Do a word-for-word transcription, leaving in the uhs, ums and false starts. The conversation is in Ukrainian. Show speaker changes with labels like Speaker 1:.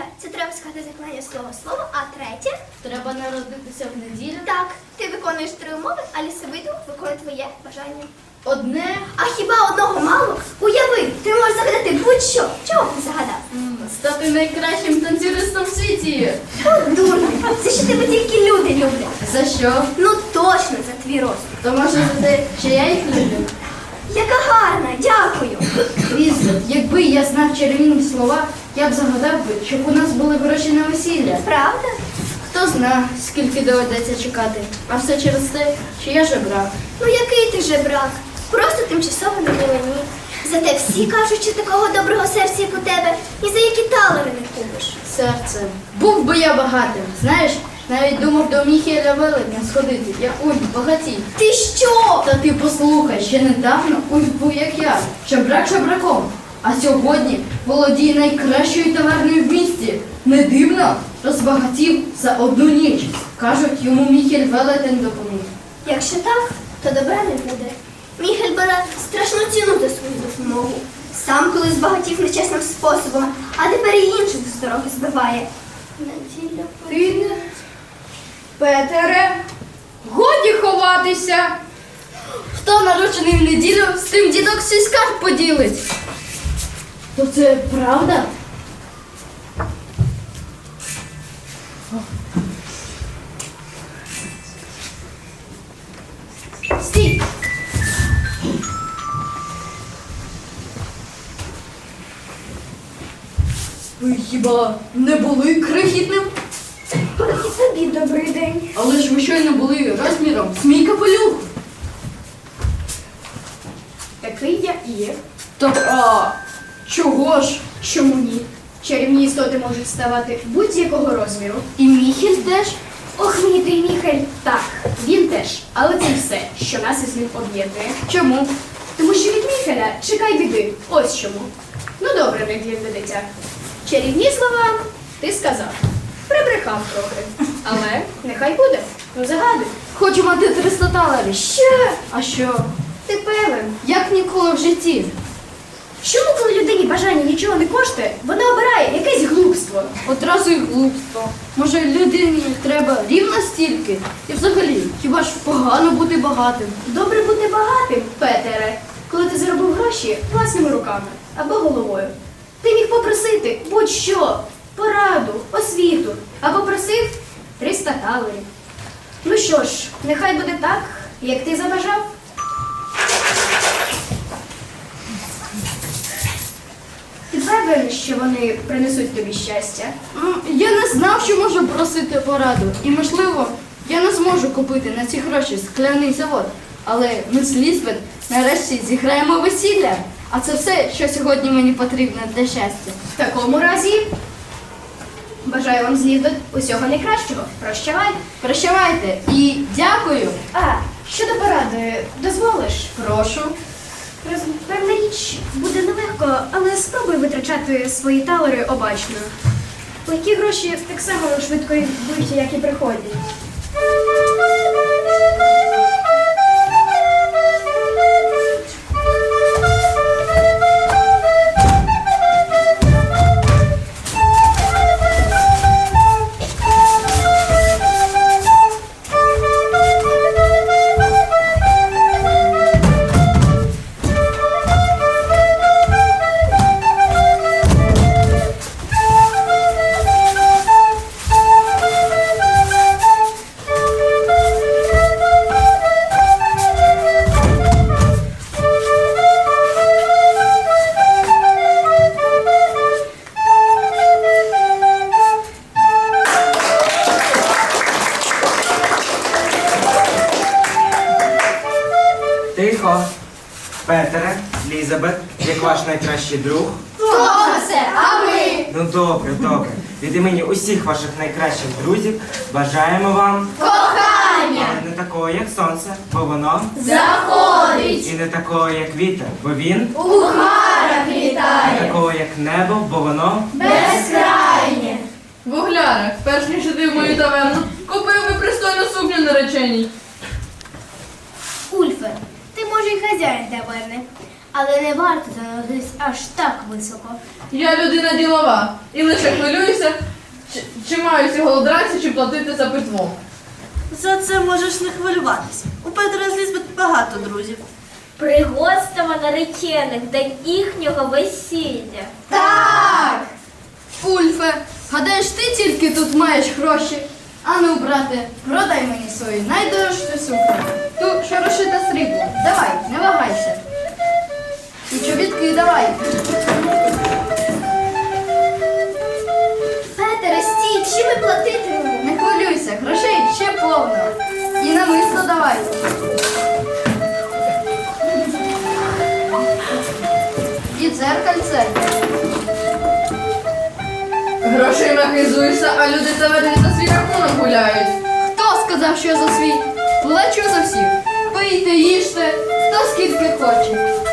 Speaker 1: Друге, це треба сказати заклання слово слово, а третє,
Speaker 2: Треба народитися в неділю.
Speaker 1: так, ти виконуєш три умови, а лісовий дух виконує твоє бажання.
Speaker 2: Одне.
Speaker 1: А хіба одного мало? Уяви, ти можеш загадати будь-що. Чого б ти загадав?
Speaker 2: м, Стати найкращим танцюристом в світі.
Speaker 1: От дурно, це що тебе тільки люди люблять.
Speaker 2: За що?
Speaker 1: Ну точно за твій розум.
Speaker 2: То може за те, що я їх люблю?
Speaker 1: Яка гарна, дякую.
Speaker 2: Лізо, якби я знав чарівні слова, я б загадав би, щоб у нас були гроші на весілля.
Speaker 1: Правда?
Speaker 2: Хто зна, скільки доведеться чекати. А все через те, що я жебрак.
Speaker 1: Ну який ти жебрак? Просто тимчасово на мілені. Зате всі кажуть, що такого доброго серця, як у тебе, ні за які талери не купиш.
Speaker 2: Серце. Був би я багатим. Знаєш, навіть думав до Міхеля Велетня сходити, як Ульф багатій.
Speaker 1: Ти що?
Speaker 2: Та ти послухай, ще недавно Ульф був як я, жебрак жебраком. А сьогодні володіє найкращою таверною в місті. Не дивно, розбагатів за одну ніч. Кажуть, йому Міхель Велетень допоміг.
Speaker 1: Якщо так, то добра не буде. Міхель бере страшну ціну за свою допомогу. Сам колись збагатів нечесним способом, а тепер і інших з дороги збиває. Неділя.
Speaker 3: Ти не... Петере, годі ховатися.
Speaker 2: Хто народжений в неділю, з тим дідок свій скарб поділить. То це правда?
Speaker 1: Стій!
Speaker 2: Ви хіба не були крихітним?
Speaker 1: І тобі добрий день.
Speaker 2: Але ж ви щойно були розміром з мій капелюх.
Speaker 3: Такий я і є.
Speaker 2: Так, а чого ж?
Speaker 3: Чому ні? Чарівні істоти можуть ставати будь-якого розміру.
Speaker 2: І Міхель теж?
Speaker 3: Ох, мені той Міхель. Так, він теж. Але це все, що нас із ним об'єднує.
Speaker 2: Чому?
Speaker 3: Тому що від Міхеля чекай біди. Ось чому. Ну добре, виглядне дитя. Чарівні слова ти сказав. Прибрехав трохи. Але нехай буде. Ну загадуй.
Speaker 2: Хочу мати триста талерів.
Speaker 3: Що?
Speaker 2: А що?
Speaker 3: Ти певен?
Speaker 2: Як ніколи в житті?
Speaker 3: Чому, коли людині бажання нічого не коштує, вона обирає якесь глупство?
Speaker 2: Одразу й глупство. Може, людині треба рівно стільки? І взагалі, хіба ж погано бути багатим?
Speaker 3: Добре бути багатим, Петере, коли ти заробив гроші власними руками або головою. Ти міг попросити будь-що, пораду, освіту, а попросив триста талерів. Ну що ж, нехай буде так, як ти забажав. Ти певен, що вони принесуть тобі щастя?
Speaker 2: М, Я не знав, що можу просити пораду. І, можливо, я не зможу купити на ці гроші скляний завод. Але ми з Лізбет нарешті зіграємо весілля. А це все, що сьогодні мені потрібно для щастя.
Speaker 3: В такому разі бажаю вам з Лізбет усього найкращого. Прощавай.
Speaker 2: Прощавайте і дякую.
Speaker 3: А, щодо поради, дозволиш?
Speaker 2: Прошу.
Speaker 3: Роз- Певна річ буде нелегко, але спробуй витрачати свої талери обачно. Легкі гроші так само швидко йдуть, як і приходять.
Speaker 4: Тихо. Петере, Лізабет, як ваш найкращий друг.
Speaker 2: Хто це? А ми?
Speaker 4: Ну добре, добре. Від імені усіх ваших найкращих друзів бажаємо вам
Speaker 2: Кохання!
Speaker 4: не такого, як сонце, бо воно
Speaker 2: Заходить!
Speaker 4: і не такого, як вітер, бо він
Speaker 2: У хмарах
Speaker 4: не
Speaker 2: літає!
Speaker 4: такого, як небо, бо воно
Speaker 2: Безкрайнє!
Speaker 5: Вуглярах, перш ніж іти в мою таверну, купив би пристойну сукню нареченій.
Speaker 1: Ульфе, ти може й хазяїн таверни,
Speaker 3: Але не варто заноситись аж так високо.
Speaker 5: Я людина ділова і лише хвилююся, чи, чи маю ці голодранці, чи платити за питво.
Speaker 6: За це можеш не хвилюватися. У Петра з Лізбет багато друзів.
Speaker 7: Пригостимо наречених день їхнього весілля.
Speaker 2: Так! Ульфе, гадаєш, ти тільки тут маєш гроші? Ану, брате, продай мені свою найдорожчу сукню. Ту, що розшита сріблом. Давай, не вагайся. І чобітки давай.
Speaker 1: Петере, стій, чим ми платитимемо?
Speaker 2: Не хвилюйся, грошей ще повно. І намисто давай. І дзеркальце.
Speaker 5: Грошима хизуєшся, а люди таверні за свій рахунок гуляють.
Speaker 2: Хто сказав, що я за свій? Плачу за всіх. Пийте, їжте, хто скільки хоче.